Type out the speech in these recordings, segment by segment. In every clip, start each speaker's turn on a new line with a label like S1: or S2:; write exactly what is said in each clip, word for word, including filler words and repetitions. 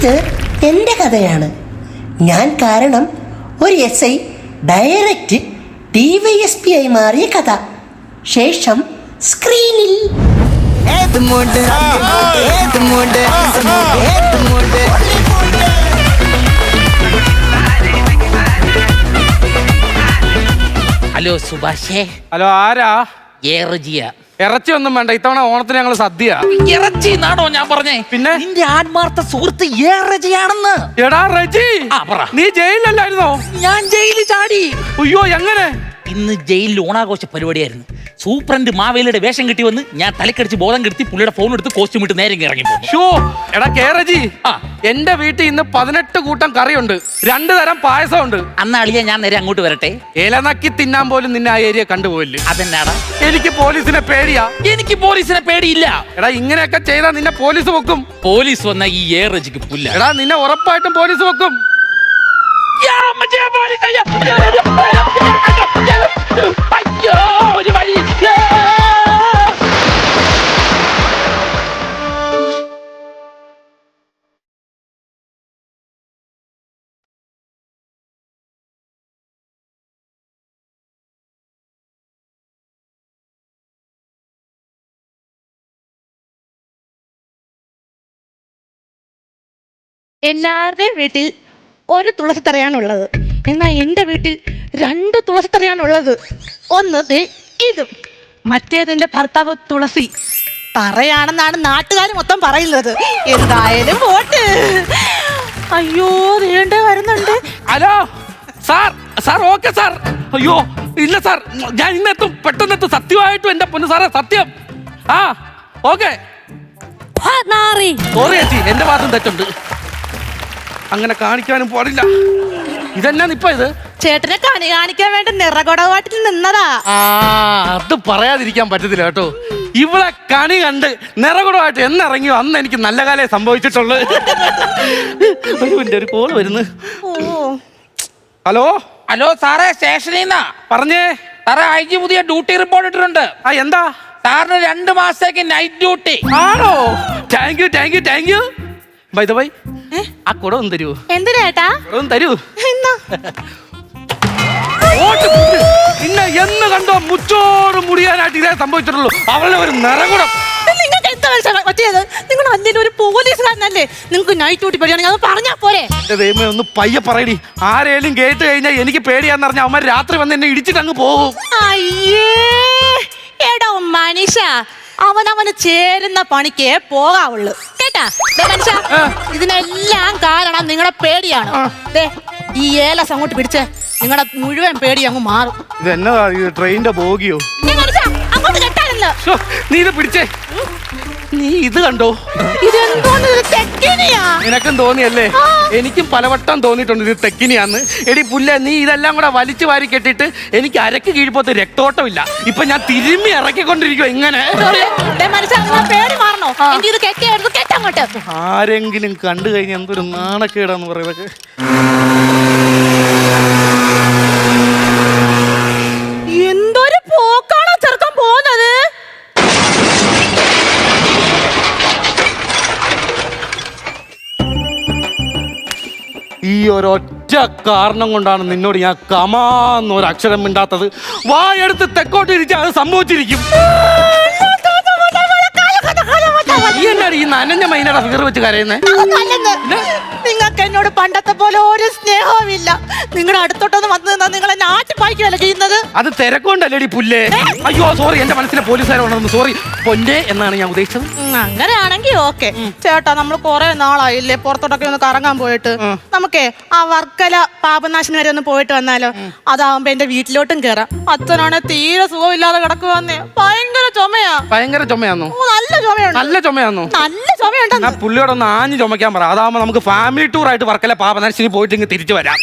S1: ഇത് എൻ്റെ കഥയാണ്. ഞാൻ കാരണം ഒരു S I direct D Y S P ആയി മാറിയ കഥ. ശേഷം സ്ക്രീനിൽ
S2: ഹലോ സുഭാഷേ.
S3: ഹലോ, ആരാ?
S2: ഏറജിയ.
S3: ഇറച്ചി ഒന്നും വേണ്ട, ഇത്തവണ ഓണത്തിന് ഞങ്ങള് സദ്യ.
S2: ഇറച്ചി എന്നാണോ ഞാൻ പറഞ്ഞേ?
S3: പിന്നെ
S2: നിന്റെ ആത്മാർത്ഥ സുഹൃത്ത് ഏറജിയാണെന്ന്.
S3: എടാ റജി, നീ ജയിലിലല്ലായിരുന്നോ?
S2: ഞാൻ ജയിലിൽ ചാടി.
S3: അയ്യോ, എങ്ങനെ?
S2: ഇന്ന് ജയിലിൽ ഓണാഘോഷ പരിപാടിയായിരുന്നു. സൂപ്രണ്ട് മാവേലിയുടെ വേഷം കിട്ടി വന്ന് ഞാൻ തലക്കടിച്ച് ബോധം കെടുത്തി പുള്ളിയുടെ ഫോൺ എടുത്ത് കോസ്റ്റ്യൂം ഇട്ട് നേരെ ഇറങ്ങി പോകും.
S3: ഷോ എടാ കേറജി, എന്റെ വീട്ടിൽ ഇന്ന് പതിനെട്ട് കൂട്ടം കറിയുണ്ട്, രണ്ടു തരം പായസമുണ്ട്.
S2: അന്ന് അളിയ ഞാൻ നേരെ അങ്ങോട്ട് വരട്ടെ?
S3: ഇലനക്കി തിന്നാൻ പോലും നിന്നെ ആ ഏരിയ കണ്ടുപോയില്ലേ?
S2: അതെന്നാടാ?
S3: എനിക്ക് പോലീസിനെ പേടിയാ.
S2: എനിക്ക് പോലീസിനെ പേടിയില്ല.
S3: എടാ ഇങ്ങനെയൊക്കെ ചെയ്താൽ നിന്നെ പോലീസ് വെക്കും.
S2: പോലീസ് വന്ന ഈ ഏറജിക്ക് പുല്ല.
S3: എടാ നിന്നെ ഉറപ്പായിട്ടും പോലീസ് വെക്കും.
S4: എല്ലാവരുടെയും വീട്ടിൽ ഒരു തുളസിത്തറയാണുള്ളത്. എന്നാൽ എൻ്റെ വീട്ടിൽ രണ്ട് തുളസിത്തറയാണുള്ളത്. ഒന്ന് ദേ ഇതും, മറ്റേതെൻ്റെ ഭർത്താവ് തുളസി. തറയാണെന്നാണ് നാട്ടുകാർ മൊത്തം പറയുന്നത്. എന്തായാലും പോട്ട്. അയ്യോ, നീണ്ട വരുന്നുണ്ട്.
S3: Hello sir, sir okay sir. അയ്യോ ഇല്ല സാർ, ഞാൻ ഇന്നെത്തും, പെട്ടെന്നെത്തും. സത്യമായിട്ടും എന്റെ പൊന്നു സാറേ, സത്യം. ആ ഓക്കെ. സോറി ചേച്ചി, എന്റെ ഭാഗത്തും തെറ്റുണ്ട്. അങ്ങനെ കാണിക്കാനും പാടില്ല. ഇതെന്നാ ഇപ്പൊ ഇത്?
S4: ചേട്ടനെ കണി കാണിക്കാൻ വേണ്ടി നിറകുടവാട്ടിൽ നിന്നതാ.
S3: ആ അത് പറയാതിരിക്കാൻ പറ്റത്തില്ല കേട്ടോ. ഇവിടെ കണി കണ്ട് നിറകുടമായിട്ട് എന്നിറങ്ങിയോ അന്ന് എനിക്ക് നല്ല കാലേ സംഭവിച്ചിട്ടുള്ളു. ഒരു കോള് വരുന്നു. ഹലോ
S2: ഹലോ സാറേ, സ്റ്റേഷനിൽ നിന്നാ.
S3: പറഞ്ഞേ
S2: സാറേ, ഐ ജി പുതിയ ഡ്യൂട്ടി റിപ്പോർട്ട് ഇട്ടിട്ടുണ്ട്.
S3: ആ എന്താ?
S2: സാറിന് രണ്ട് മാസത്തേക്ക് നൈറ്റ് ഡ്യൂട്ടി.
S3: ആണോ? Thank you thank you thank you. By the by, ആ കുടം ഒന്ന് തരൂ.
S4: എന്തിനേട്ടാ?
S3: കുടം തരൂ. പിന്നെ എന്ന് കണ്ടോ മുച്ചോട് മുടിയാനായിട്ട് ഇതേ സംഭവിച്ചിട്ടുള്ളൂ. അവളുടെ ഒരു നിറകുടം.
S4: നിങ്ങൾക്ക് എന്താ പറ്റിയത്? നിങ്ങൾ അതിന്റെ ഒരു പോലീസുകാരനല്ലേ? നിങ്ങൾക്ക് നൈറ്റ് ഡ്യൂട്ടി പേടിയാണെങ്കിൽ അത് പറഞ്ഞാ പോരെ?
S3: എന്റെ ദൈവമേ, ഒന്ന് പയ്യെ പറയടി. ആരേലും കേട്ട് കഴിഞ്ഞാൽ എനിക്ക് പേടിയാന്ന് പറഞ്ഞാൽ അവന്മാർ രാത്രി വന്ന് എന്നെ ഇടിച്ചിട്ട് അങ്ങ് പോകും.
S4: അയ്യേ, എടോ മനുഷ്യ, അവനവന് ചേരുന്ന പണിക്കേ പോകാവുള്ളു കേട്ടാ. മനുഷ്യ, ഇതിനെല്ലാം കാരണം നിങ്ങളുടെ പേടിയാണ്. ഈ ഏലസ് അങ്ങോട്ട് പിടിച്ച് നിങ്ങളുടെ മുഴുവൻ പേടി അങ്ങ് മാറും.
S3: ഇത് എന്നതാ, ട്രെയിനിന്റെ ബോഗിയോ?
S4: അങ്ങോട്ട് കെട്ടാനല്ലോ.
S3: നീ ഇത് പിടിച്ചേ. നീ ഇത് കണ്ടോ? നിനക്കും തോന്നിയല്ലേ? എനിക്കും പലവട്ടം തോന്നിയിട്ടുണ്ട് ഇത് തെക്കിനിയാന്ന്. എടി പുല്ല, നീ ഇതെല്ലാം കൂടെ വലിച്ചു വാരി കെട്ടിട്ട് എനിക്ക് അരക്ക് കീഴ്പോത്ത് രക്തോട്ടമില്ല. ഇപ്പൊ ഞാൻ തിരുമ്മി ഇറക്കിക്കൊണ്ടിരിക്കുക ഇങ്ങനെ. ആരെങ്കിലും കണ്ടു കഴിഞ്ഞാൽ എന്തൊരു നാണക്കേടാന്ന് പറയുന്നത്.
S4: എന്തൊരു പോക്കാണോ ചെറുക്കാൻ പോകുന്നത്.
S3: ഈ ഒരൊറ്റ കാരണം കൊണ്ടാണ് നിന്നോട് ഞാൻ കമാന്നൊരു അക്ഷരം മിണ്ടാത്തത്. വായെടുത്ത് തെക്കോട്ട് ഇരിച്ചാൽ അത് സംഭവിച്ചിരിക്കും. ഈ എന്നാണ് ഈ നനഞ്ഞ മൈനയുടെ ഫിഗർ വെച്ച് കരയുന്നേ?
S4: നിങ്ങൾക്ക് എന്നോട് പണ്ടത്തെ പോലെ ഒരു സ്നേഹവുമില്ല. നിങ്ങളുടെ അടുത്തോട്ടൊന്ന് വന്നു നിന്നാ നിങ്ങളെ നാട്ടിപ്പായിക്കുമല്ല ചെയ്യുന്നത്.
S3: അത് തിരക്കൊണ്ടല്ലേടി പുല്ലേ. അയ്യോ സോറി, എന്റെ മനസ്സിലെ പോലീസുകാരുണ്ടെന്ന്. സോറി പൊന്നെ എന്നാണ് ഞാൻ ഉദ്ദേശിച്ചത്.
S4: അങ്ങനെയാണെങ്കിൽ ഓക്കെ ചേട്ടാ, നമ്മൾ കുറെ നാളായില്ലേ പുറത്തോട്ടൊക്കെ ഒന്ന് കറങ്ങാൻ പോയിട്ട്. നമുക്കേ ആ വർക്കല പാപനാശിനി വരെ ഒന്ന് പോയിട്ട് വന്നാലോ? അതാവുമ്പോ എന്റെ വീട്ടിലോട്ടും കേറാം. അച്ഛനാണ് തീരെ സുഖമില്ലാതെ കിടക്കുവന്നേ. ഭയങ്കര ചുമയാ.
S3: ഭയങ്കര ചുമയാന്നോ?
S4: നല്ല ചുമയുണ്ട്.
S3: നല്ല ചുമയാന്നോ?
S4: നല്ല ചുമയുണ്ട്.
S3: പുള്ളിയോടൊന്ന് ആഞ്ഞു ചുമക്കാൻ പറ. അതാവുമ്പോ നമുക്ക് ഫാമിലി ടൂർ ആയിട്ട് വർക്കല പാപനാശിനി പോയിട്ട് ഇങ്ങ് തിരിച്ചു വരാം.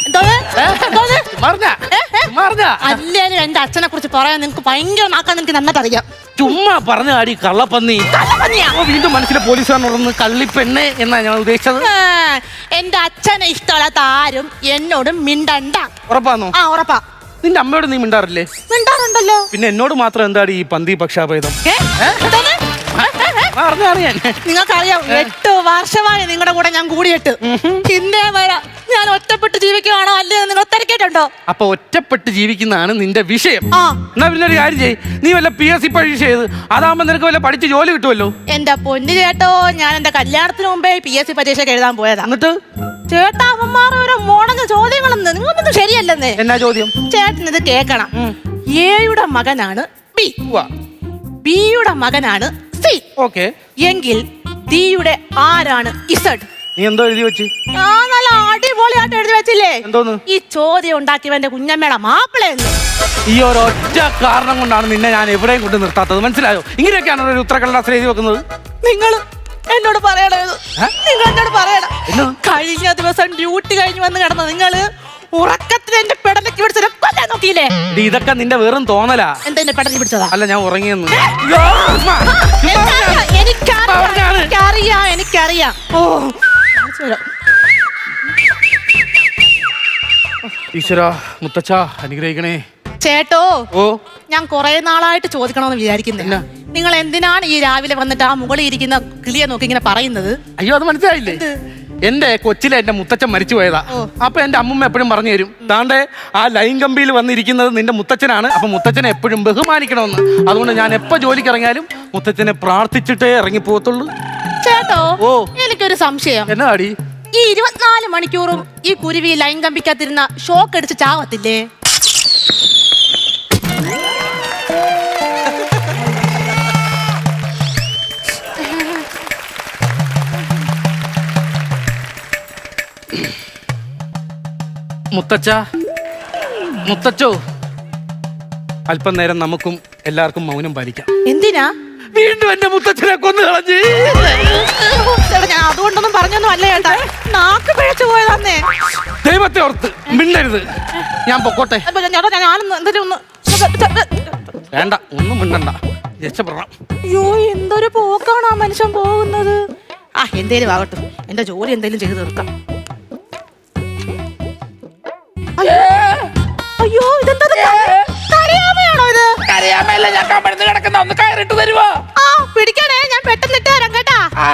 S4: അല്ലേലും എന്റെ അച്ഛനെ കുറിച്ച് പറയാൻ നിനക്ക് ഭയങ്കര നാക്കാൻ നിനക്ക് നന്നായിട്ടറിയാം.
S3: ചുമ്മാ പറഞ്ഞ ആടി കള്ളപ്പന്നി. വീണ്ടും മനസ്സിലെ പോലീസുകാരനോടൊന്ന് കള്ളിപ്പെണ്ണെ എന്നാ ഞാൻ ഉദ്ദേശിച്ചത്.
S4: എന്റെ അച്ഛനെ ഇഷ്ടമല്ലാത്ത ആരും എന്നോട് മിണ്ടണ്ട.
S3: ഉറപ്പാന്നോ?
S4: ആ ഉറപ്പാ.
S3: നിന്റെ അമ്മയോട് നീ മിണ്ടാറില്ലേ?
S4: മിണ്ടാറുണ്ടല്ലോ.
S3: പിന്നെ എന്നോട് മാത്രം എന്താടി ഈ പന്തി പക്ഷാഭേദം? അറിഞ്ഞാണ് ഞാൻ.
S4: നിങ്ങൾക്കറിയാം എട്ട് വർഷമായി നിങ്ങളുടെ കൂടെ ഞാൻ കൂടിയിട്ട് ഇന്നേ വരെ ഞാൻ ഒറ്റപ്പെട്ട് ജീവിക്കുകയാണോ അല്ലേ നിങ്ങൾ തിരക്കിയിട്ടുണ്ടോ?
S3: അപ്പൊ ഒറ്റപ്പെട്ട് ജീവിക്കുന്നതാണ് നിന്റെ വിഷയം.
S4: ആ.
S3: എന്നാ പിന്നെ ഒരു കാര്യം ചെയ്യ്, നീ വല്ല പി എസ് സി പരീക്ഷ ചെയ്ത് അതാകുമ്പോ നിനക്ക് വല്ല പഠിച്ച് ജോലി കിട്ടുമല്ലോ.
S4: എന്റെ പൊന്നു ചേട്ടോ, ഞാൻ എന്റെ കല്യാണത്തിന് മുമ്പേ പി എസ് സി പരീക്ഷയ്ക്ക് എഴുതാൻ പോയതാ.
S3: എന്നിട്ട്
S4: ചേട്ടാ അവന്മാർ ഓരോ മോണങ്ങ ചോദ്യങ്ങളെന്ന് നിങ്ങളൊന്നും ശരിയല്ലെന്നേ.
S3: എന്നാ ചോദ്യം?
S4: ചേട്ടൻ ഇത് കേക്കണം. എയുടെ മകനാണ് ബി, ബിയുടെ മകനാണ് സി.
S3: ഓക്കെ.
S4: എങ്കിൽ ഡിയുടെ ആരാണ് ഇസഡ്?
S3: നീ എന്തോ എഴുതി വെച്ച്?
S4: ആ നല്ല അടിപൊളിയായിട്ട് എഴുതി വെച്ചില്ലേ?
S3: എന്തോന്ന്?
S4: ഈ ചോദ്യം ഉണ്ടാക്കിയവന്റെ കുഞ്ഞമ്മയുടെ മാപ്പിളയെന്ന്.
S3: ഈ ഒരൊറ്റ കാരണം കൊണ്ടാണ് നിന്നെ ഞാൻ എവിടെയും കൊണ്ട് നിർത്താത്തത്, മനസ്സിലായോ? ഇങ്ങനെയൊക്കെയാണ് ഒരു ഉത്തരക്കടലാസിൽ എഴുതി വെക്കുന്നത്.
S4: നിങ്ങൾ എന്നോട് പറയണത്, നിങ്ങൾ എന്നോട് പറയണം.
S3: എന്നാ?
S4: കഴിഞ്ഞ ദിവസം ഡ്യൂട്ടി കഴിഞ്ഞ് വന്ന് കിടന്ന നിങ്ങള് ഉറക്കത്തിൽ എന്റെ പെടലേക്ക് പിടിച്ചത് കൊല്ലാൻ നോക്കിയില്ലേ?
S3: ഇത് ഇതൊക്കെ നിന്റെ വെറും തോന്നലാ.
S4: എന്താ എന്റെ പെടലേക്ക് പിടിച്ചതാ?
S3: അല്ല, ഞാൻ ഉറങ്ങിയെന്ന്.
S4: എനിക്കറിയാം, എനിക്കറിയാം, എനിക്കറിയാം, എനിക്കറിയാം. ഓ
S3: ഈശ്വര, മുത്തച്ഛ അനുഗ്രഹിക്കണേ.
S4: ചേട്ടോ,
S3: ഓ
S4: ഞാൻ കുറെ നാളായിട്ട് ചോദിക്കണമെന്ന് വിചാരിക്കുന്നില്ല. നിങ്ങൾ എന്തിനാണ് ഈ രാവിലെ വന്നിട്ട് ആ മുകളിൽ ഇരിക്കുന്ന കിളിയെ നോക്കി ഇങ്ങനെ പറയുന്നത്?
S3: അയ്യോ, അത് മനസ്സിലായില്ലേ? എന്റെ കൊച്ചിലെ എന്റെ മുത്തച്ഛൻ മരിച്ചു പോയതാ. അപ്പൊ എന്റെ അമ്മൂമ്മ എപ്പോഴും പറഞ്ഞു തരും, താണ്ടെ ആ ലൈൻ കമ്പിയിൽ വന്നിരിക്കുന്നത് നിന്റെ മുത്തച്ഛനാണ്, അപ്പൊ മുത്തച്ഛനെ എപ്പോഴും ബഹുമാനിക്കണമെന്ന്. അതുകൊണ്ട് ഞാൻ എപ്പോ ജോലിക്ക് ഇറങ്ങിയാലും മുത്തച്ഛനെ പ്രാർത്ഥിച്ചിട്ടേ ഇറങ്ങി പോകത്തുള്ളൂ.
S4: ചേട്ടോ,
S3: ഓ
S4: എനിക്കൊരു സംശയം.
S3: എന്നാ അടി?
S4: ഈ ഇരുപത്തിനാല് മണിക്കൂറും ഈ കുരുവി ലൈൻ കമ്പിക്കാത്തിരുന്ന ഷോക്ക് അടിച്ച് ചാവത്തില്ലേ?
S3: മുത്തച്ഛ, മുത്തച്ഛോ, അല്പം നേരം നമുക്കും എല്ലാവർക്കും മൗനം പാലിക്കാം.
S4: എന്തിനാ?
S3: വീണ്ടും എന്റെ മുത്തച്ഛനെ കൊന്നു കളഞ്ഞ്.
S4: ചേട്ടാ, ഞാൻ അതുകൊണ്ടൊന്നും പറഞ്ഞൊന്നും അല്ല ചേട്ടാ, നാക്ക് പിഴച്ചു പോയതാന്നേ.
S3: ദൈവത്തെ ഓർത്ത് മിണ്ടരുത്, ഞാൻ പൊക്കോട്ടെ.
S4: അപ്പൊ ചേട്ടാ, ഞാൻ ഞാനൊന്ന് എന്തെങ്കിലും ഒന്ന്
S3: വേണ്ട, ഒന്നും മിണ്ടണ്ട, രക്ഷപ്പെടണം.
S4: അയ്യോ, എന്തൊരു പോക്കാണ് ആ മനുഷ്യൻ പോകുന്നത്. ആ എന്തേലും ആകട്ടെ, എന്റെ ജോലി എന്തേലും ചെയ്തു തീർക്കാം. അയ്യോ, ഇതെന്താ കരയാമയാണോ ഇത്?
S2: കരയാമല്ല, ഞാൻ കമഴ്ന്ന് കിടക്കുന്ന ഒന്ന് കയറിട്ട് തരുവോ?
S4: ആ പിടിക്കണേ, ഞാൻ പെട്ടെന്ന് ഇട്ട് തരാം കേട്ടാ. ആ.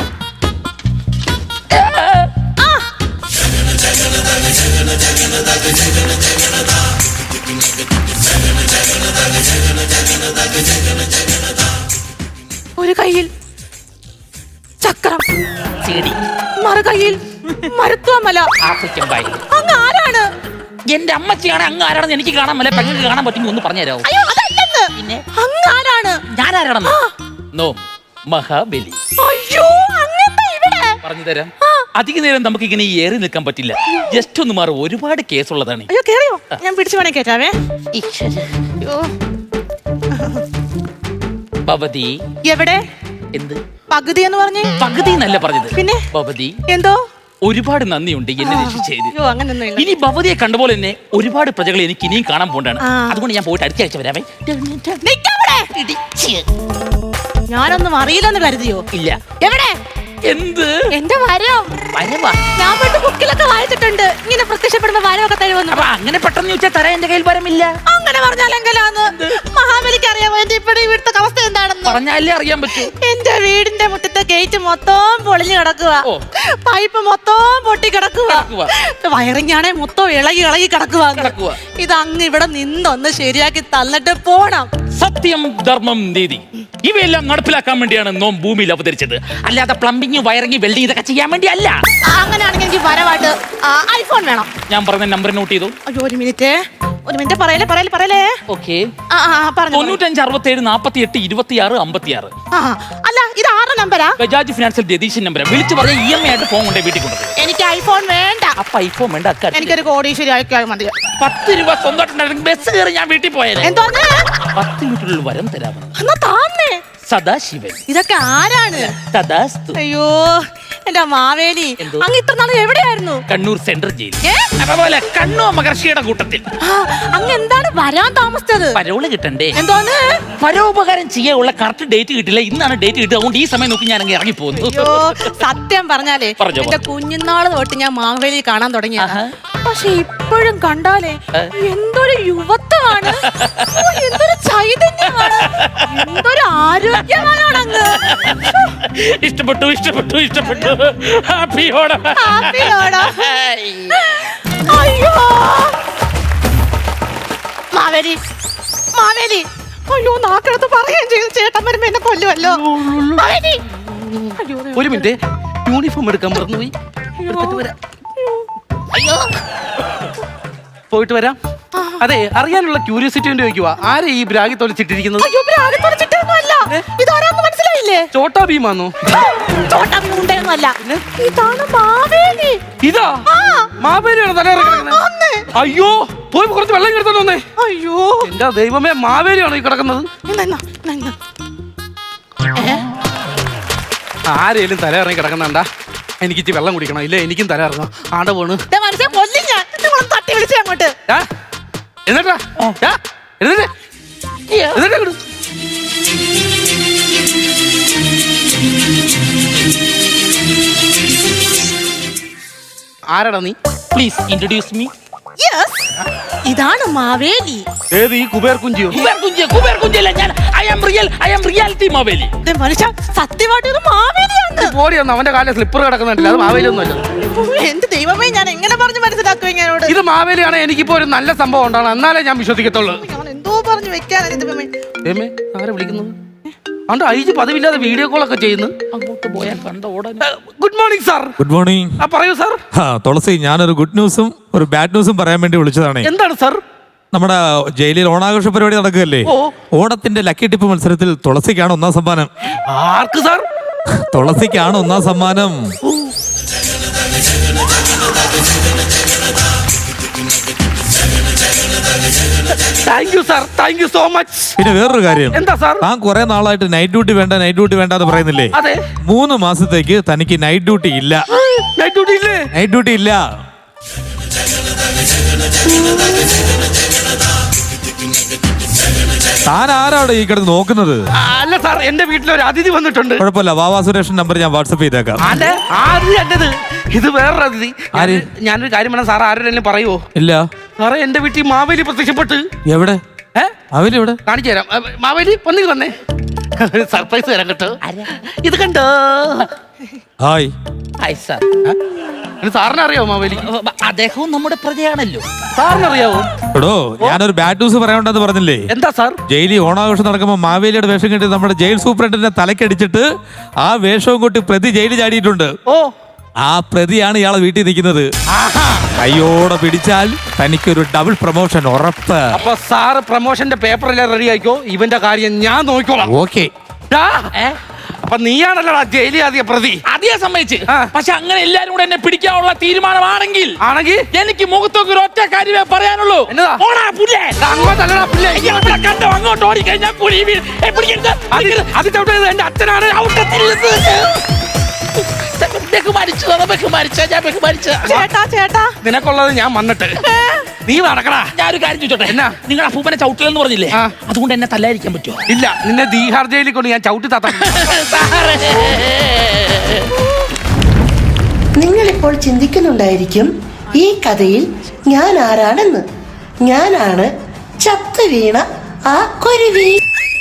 S4: ഒരു കയ്യിൽ ചക്രം,
S2: ചെടി,
S4: മറു കയ്യിൽ മരുത്വമല.
S2: ആഫ്രിക്കൻ ബായി.
S4: അങ്ങ് ആരാണ്?
S2: എന്റെ അമ്മച്ചിയാണ്. അങ്ങ് ആരാണെന്ന് എനിക്ക് കാണാൻ പറ്റില്ല, പെങ്ങൾക്ക് കാണാൻ പറ്റുമെങ്കിൽ ഒന്ന് പറഞ്ഞു തരാമോ?
S4: അയ്യോ, അതല്ലെന്ന്.
S2: പിന്നെ
S4: അങ്ങ് ആരാണ്?
S2: ഞാനാരാണെന്ന്? നോ, മഹാബലി.
S4: അയ്യോ, അങ്ങെന്താ ഇവിടെ?
S2: പറഞ്ഞു തരാം. അധിക നേരം നമുക്ക് ഇങ്ങനെ ഏറി നിൽക്കാൻ പറ്റില്ല. ജസ്റ്റ് ഒന്ന് മാറും, ഒരുപാട് കേസുള്ളതാണ്.
S4: അയ്യോ, കേറിയോ? ഞാൻ പിടിച്ചു വേണേ കേറ്റാവേ. അയ്യോ.
S2: ഭവതി.
S4: എവിടെ?
S2: എന്ത്
S4: പകുതി എന്ന് പറഞ്ഞേ?
S2: പകുതി എന്നല്ല പറഞ്ഞത്.
S4: പിന്നെ?
S2: ഭവതി,
S4: എന്തോ
S2: ഒരുപാട് നന്ദിയുണ്ട് എന്നെ രക്ഷിച്ചത്.
S4: അയ്യോ, അങ്ങനൊന്നും ഇല്ല.
S2: ഇനി ഭവതിയെ കണ്ടപോലെ തന്നെ ഒരുപാട് പ്രജകളെ എനിക്ക് ഇനിയും കാണാൻ പോണ്ടാണ്.
S4: ആ.
S2: അതുകൊണ്ട് ഞാൻ പോയിട്ട് അടുത്ത ആഴ്ച വരാമേ.
S4: നിക്കവിടെ. ഞാനൊന്നും അറിയില്ലെന്ന് കരുതിയോ?
S2: ഇല്ല.
S4: എവിടെ?
S2: എന്ത്?
S4: എന്റെ വരം.
S2: വരവാ?
S4: ഞാൻ പണ്ട് ബുക്കിലൊക്കെ വായിച്ചിട്ടുണ്ട്, ഇങ്ങനെ പ്രത്യക്ഷപ്പെടുമ്പോ വരമൊക്കെ തരുമെന്ന്.
S2: അപ്പൊ അങ്ങനെ പെട്ടെന്ന് ചോദിച്ചാൽ തരാൻ എന്റെ കയ്യിൽ വരമില്ല.
S4: അങ്ങനെ പറഞ്ഞാലെങ്കിലാന്ന് മഹാബലിക്ക് അറിയാമോ എന്റെ ഇപ്പഴേ ഇവിടുത്തെ അവസ്ഥ എന്താണെന്ന്?
S2: പറഞ്ഞാലേ അറിയാൻ പറ്റൂ.
S4: എന്റെ വീടിന്റെ മുറ്റത്തെ ഗേറ്റ് മൊത്തം പൊളിഞ്ഞു കിടക്കുക,
S2: ഓ.
S4: പൈപ്പ് മൊത്തം പൊട്ടി കിടക്കുക,
S2: കിടക്കുവാ.
S4: വയറിങ്ങാണെ മൊത്തം ഇളകി ഇളകി കിടക്കുക.
S2: കിടക്കുവാ.
S4: ഇത് അങ്ങ് ഇവിടെ നിന്നൊന്ന് ശരിയാക്കി തന്നിട്ട് പോണം.
S2: സത്യം, ധർമ്മം, നീതി ഇവയെല്ലാം നടപ്പിലാക്കാൻ വേണ്ടിയാണ് നോം ഭൂമിയിൽ അവതരിച്ചത്. അല്ലാതെ പ്ലംബിംഗ്, വയറിംഗ്, വെൽഡിംഗ് ഇതൊക്കെ ചെയ്യാൻ വേണ്ടി അല്ല.
S4: അങ്ങനെയാണെങ്കിൽ എനിക്ക് വരവായിട്ട് ഐഫോൺ വേണം.
S2: ഞാൻ പറഞ്ഞ നമ്പർ നോട്ട് ചെയ്തു.
S4: അയ്യോ, ഒരു മിനിറ്റ് ഒരു മിനിറ്റ് പറയലേ പറയലേ പറയലേ
S2: ഓക്കെ.
S4: ആ ആ, പറഞ്ഞു
S2: തൊണ്ണൂറ്റഞ്ച് അറുപത്തി ഏഴ് നാപ്പത്തി എട്ട് ഇരുപത്തി ആറ് അമ്പത്തി ആറ്.
S4: ആ അല്ല, ഇത് ആരുടെ നമ്പരാ?
S2: Bajaj financial Ratheeshan number. വിളിച്ചു പറഞ്ഞ ഇ എം ഐ ആയിട്ട് ഫോൺ കൊണ്ടേ വീട്ടിൽ കൊണ്ടുപോയി.
S4: എനിക്ക് ഐഫോൺ വേണ്ട.
S2: അപ്പൊ ഐഫോൺ വേണ്ട, അക്കാര്യം
S4: എനിക്കൊരു കോടീശ്വരി അയക്കാൻ മതി.
S2: പത്ത് രൂപ സ്വന്തമായിട്ടുണ്ടായിരുന്നു, ബസ് കയറി ഞാൻ വീട്ടിൽ പോയത്.
S4: എന്തോന്ന്?
S2: പത്ത് മിനിറ്റിനുള്ളിൽ വരം തരാമെന്ന്.
S4: എന്നാ താന്നേ.
S2: സദാശിവൻ.
S4: ഇതൊക്കെ ആരാണ്?
S2: തഥാസ്തു.
S4: അയ്യോ, എന്റെ മാവേലി,
S2: എന്തോ?
S4: അങ്ങ് ഇത്ര നാൾ എവിടെയായിരുന്നു?
S2: Kannur central jail.
S4: ഏ?
S2: അതുപോലെ കണ്ണൂർ മഹർഷിയുടെ കൂട്ടത്തിൽ.
S4: ആ, അങ്ങ് എന്താണ് വരാൻ താമസിച്ചത്?
S2: പരോള് കിട്ടണ്ടേ?
S4: എന്തോന്ന്?
S2: പരോപകാരം ചെയ്യാനുള്ള കറക്റ്റ് ഡേറ്റ് കിട്ടില്ല. ഇന്നാണ് ഡേറ്റ് കിട്ടുക. അതുകൊണ്ട് ഈ സമയം നോക്കി ഞാൻ അങ്ങ് ഇറങ്ങി പോകുന്നു.
S4: അയ്യോ, സത്യം പറഞ്ഞാലേ
S2: പറഞ്ഞോ.
S4: എന്റെ കുഞ്ഞുനാള് തൊട്ട് ഞാൻ മാവേലി കാണാൻ തുടങ്ങിയ,
S2: ആഹാ.
S4: പക്ഷെ ഇപ്പോഴും കണ്ടാലേ
S2: ഏ?
S4: എന്തൊരു യുവത്വമാണ്, ഓ, എന്തൊരു ചൈതന്യമാണ്. എന്തൊരു ആരോഗ്യവാനാണ് അങ്ങ്.
S2: ഇഷ്ടപ്പെട്ടു ഇഷ്ടപ്പെട്ടു ഇഷ്ടപ്പെട്ടു ഹാപ്പി ഓണം.
S4: ഹാപ്പി ഓണം. അയ്യോ മാവേലി മാവേലി, അയ്യോ നാക്കെടുത്ത് പറയുകയും ചെയ്തു ചേട്ടൻ വരുമ്പോ എന്നെ കൊല്ലുമല്ലോ. മാവേലി, അയ്യോ
S3: ഒരു മിനിറ്റ്, യൂണിഫോം എടുക്കാൻ മറന്നുപോയി. എടുത്തിട്ട് വരാം.
S2: അയ്യോ
S3: പോയിട്ട് വരാം. അതെ, അറിയാനുള്ള ക്യൂരിയോസിറ്റി കൊണ്ട് ചോദിക്കുക, ആരെ ഈ ബ്രാഗി തൊലിച്ചിട്ടിരിക്കുന്നത്?
S4: അയ്യോ ബ്രാഗത്തോടെ ചിട്ടൊന്നുമല്ല. ഇതാരാന്ന് മനസ്സിലായില്ലേ?
S3: ചോട്ടാ ഭീമാന്നോ?
S4: ചോട്ടാ ഭീമുണ്ടൊന്നുമല്ല, ഇതാണ് മാവേലി.
S3: ഇതാ മാവേലിയാണ് തല ഇറങ്ങുന്നത്. അയ്യോ, പോയി കുറച്ച് വെള്ളം എടുത്തോണ്ട് വന്നേ.
S4: അയ്യോ
S3: എന്റെ ദൈവമേ, മാവേലിയാണോ ഈ കിടക്കുന്നത്? ആരേലും തല ഇറങ്ങി കിടക്കുന്നുണ്ടാ? എനിക്ക് ഇച്ചിരി വെള്ളം കുടിക്കണം, ഇല്ല എനിക്കും തല ഇറങ്ങാം. ആണ്ട പോണ്
S4: മനസ്സിലെ കൊല്ലും ഞാൻ. നിങ്ങളൊന്ന് തട്ടി വിളിച്ചേ അങ്ങോട്ട്.
S3: എന്നിട്ടാ എന്നിട്ട് എന്നിട്ട് അങ്ങോട്ട്. ആരാടാ നീ?
S2: Please introduce me.
S4: യെസ്, ഇതാണ് മാവേലി.
S3: ഏത് ഈ കുബേർ കുഞ്ചിയോ?
S2: കുബേർ കുഞ്ച് കുബേർ കുഞ്ചല്ല ഞാൻ. I am real I am reality Maveli.
S4: ദേ മനുഷ്യ, സത്യമായിട്ട് ഇത് മാവേലിയാണ്.
S3: ബോഡി ഒന്ന് അവന്റെ കാലിൽ സ്ലിപ്പർ കിടക്കുന്നുണ്ടല്ലോ, അത് മാവേലിയൊന്നുമല്ല.
S4: എന്ത് ദൈവമേ, ഞാൻ എങ്ങനെ പറഞ്ഞു മനസ്സിലാക്കും ഇങ്ങനോട്?
S3: ഇത് മാവേലിയാണ്. എനിക്കിപ്പോ ഒരു നല്ല സംഭവം ഉണ്ടാണ്, എന്നാലേ ഞാൻ വിശ്വസിക്കത്തുള്ളൂ.
S4: ഞാൻ എന്തോ പറഞ്ഞു വെക്കാനാണ് ഇത് ദൈവമേ.
S3: ഏമേ, ആരെ വിളിക്കുന്നത്? അണ്ട് ഐജി പതിവില്ലാതെ വീഡിയോ കോൾ ഒക്കെ ചെയ്യുന്നു.
S2: അങ്ങോട്ട് പോയാൽ കണ്ട ഓടാൻ.
S3: Good morning sir.
S5: Good morning.
S3: ആ പറയൂ സാർ.
S5: ആ തുളസി, ഞാനൊരു ഗുഡ് ന്യൂസും ഒരു ബാഡ് ന്യൂസും പറയാൻ വേണ്ടി വിളിച്ചതാണ്.
S3: എന്താണ് സാർ?
S5: നമ്മുടെ ജയിലിൽ ഓണാഘോഷ പരിപാടി നടക്കുകയല്ലേ?
S3: ഓ.
S5: ഓണത്തിന്റെ ലക്കി ടിപ്പ് മത്സരത്തിൽ തുളസിക്കാണ് ഒന്നാം സമ്മാനം.
S3: ആർക്ക് സാർ?
S5: തുളസിക്കാണ് ഒന്നാം സമ്മാനം.
S3: Thank you sir, thank you so much.
S5: പിന്നെ വേറൊരു കാര്യം,
S3: എന്താ സാർ?
S5: താൻ കുറെ നാളായിട്ട് നൈറ്റ് ഡ്യൂട്ടി വേണ്ട നൈറ്റ് ഡ്യൂട്ടി വേണ്ട എന്ന് പറയുന്നില്ലേ?
S3: അതെ.
S5: മൂന്ന് മാസത്തേക്ക് തനിക്ക് നൈറ്റ് ഡ്യൂട്ടി ഇല്ല.
S3: നൈറ്റ് ഡ്യൂട്ടി ഇല്ലേ?
S5: നൈറ്റ് ഡ്യൂട്ടി ഇല്ല. താൻ ആരാണ് ഈ കിടന്ന് നോക്കുന്നത്?
S3: ആ, അല്ല സാർ, എന്റെ വീട്ടിൽ ഒരു അതിഥി വന്നിട്ടുണ്ട്.
S5: കുഴപ്പമില്ല, വാവാ സുരേഷൻ നമ്പർ ഞാൻ വാട്സപ്പ് ചെയ്തേക്കാം.
S3: ആണ്ടെ, ആര് എന്റേത്? ഇത് വേറൊരു അതിഥി.
S5: ആര്?
S3: ഞാനൊരു കാര്യം വേണം സാർ, ആരോടെങ്കിലും പറയുവോ?
S5: ഇല്ല.
S3: സാറേ, എന്റെ വീട്ടിൽ മാവേലി പ്രത്യക്ഷപ്പെട്ട്.
S5: എവിടെ?
S3: ഏ
S5: അവരെവിടെ?
S3: കാണിച്ചു തരാം. അ, മാവേലി വന്നിൽ വന്നേ, ഒരു സർപ്രൈസ് തരാം കേട്ടോ. ഇത് കണ്ടോ?
S5: ഹായ്.
S2: Hi sir.
S3: സാറിനെ അറിയാവോ മാവേലി?
S2: അദ്ദേഹവും നമ്മുടെ പ്രജയാണല്ലോ.
S3: സാറിന് അറിയാവോ?
S5: എടോ, ഞാനൊരു ബാഡ് ന്യൂസ് പറയാനുണ്ടെന്ന് പറഞ്ഞില്ലേ?
S3: എന്താ സാർ?
S5: ജയിലിൽ ഓണാഘോഷം നടക്കുമ്പോൾ മാവേലിയുടെ വേഷം കെട്ടി നമ്മുടെ ജയിൽ സൂപ്രണ്ടിന്റെ തലക്കടിച്ചിട്ട് ആ വേഷവും കൊട്ടി പ്രതി ജയിലിൽ ചാടിയിട്ടുണ്ട്.
S3: ഓ,
S5: ആ പ്രതിയാണ് ഇയാളെ വീട്ടിൽ നിൽക്കുന്നത്. കയ്യോടെ പിടിച്ചാൽ തനിക്കൊരു ഡബിൾ പ്രൊമോഷൻ ഉറപ്പ്.
S3: അപ്പൊ സാറ് പ്രൊമോഷന്റെ പേപ്പറെല്ലാം റെഡി ആയിക്കോ, ഇവന്റെ കാര്യം ഞാൻ നോക്കിക്കോളാം.
S5: ഓക്കെ.
S3: ടാ, അപ്പൊ നീയാണല്ലോടാ ജയിലിൽ ആദ്യ പ്രതി.
S2: അതേ സമ്മതിച്ച്.
S3: ആ.
S2: പക്ഷെ അങ്ങനെ എല്ലാരും കൂടെ എന്നെ പിടിക്കാനുള്ള തീരുമാനമാണെങ്കിൽ
S3: ആണെങ്കിൽ
S2: എനിക്ക് മുഖത്തൊക്കെ ഒരു ഒറ്റ കാര്യമേ പറയാനുള്ളൂ.
S3: എന്നതാ?
S2: ഓടാ പുല്ലേ.
S3: അങ്ങോട്ടല്ലടാ പുല്ലേ.
S2: അയ്യോ, ഇവിടെ കണ്ടോ, അങ്ങോട്ട് ഓടിക്കഴിഞ്ഞാൽ പുലി വീഴും. ഏ, പിടിക്കരുത്.
S3: അത് അത് ചവിട്ടത് എന്റെ അച്ഛനാണ്.
S2: ബഹുമാനിച്ചു ബഹുമാനിച്ച ഞാൻ ബഹുമാനിച്ച.
S4: ചേട്ടാ ചേട്ടാ,
S3: നിനക്കുള്ളത് ഞാൻ വന്നിട്ട് നീ നടക്കടാ.
S2: ഞാനൊരു കാര്യം ചോദിച്ചോട്ടെ?
S3: എന്നാ?
S2: നിങ്ങൾ അപ്പൂപ്പനെ ചവിട്ടില്ലെന്ന് പറഞ്ഞില്ലേ?
S3: ആ.
S2: അതുകൊണ്ട് എന്നെ തല്ലായിരിക്കാൻ പറ്റുമോ?
S3: ഇല്ല, നിന്നെ ദീഹാർ ജയിലിൽ കൊണ്ട് ഞാൻ ചവിട്ടി താത്ത.
S1: നിങ്ങളിപ്പോൾ ചിന്തിക്കുന്നുണ്ടായിരിക്കും ഈ കഥയിൽ ഞാൻ ആരാണെന്ന്. ഞാനാണ് ചത്തു വീണ ആ കുരുവി.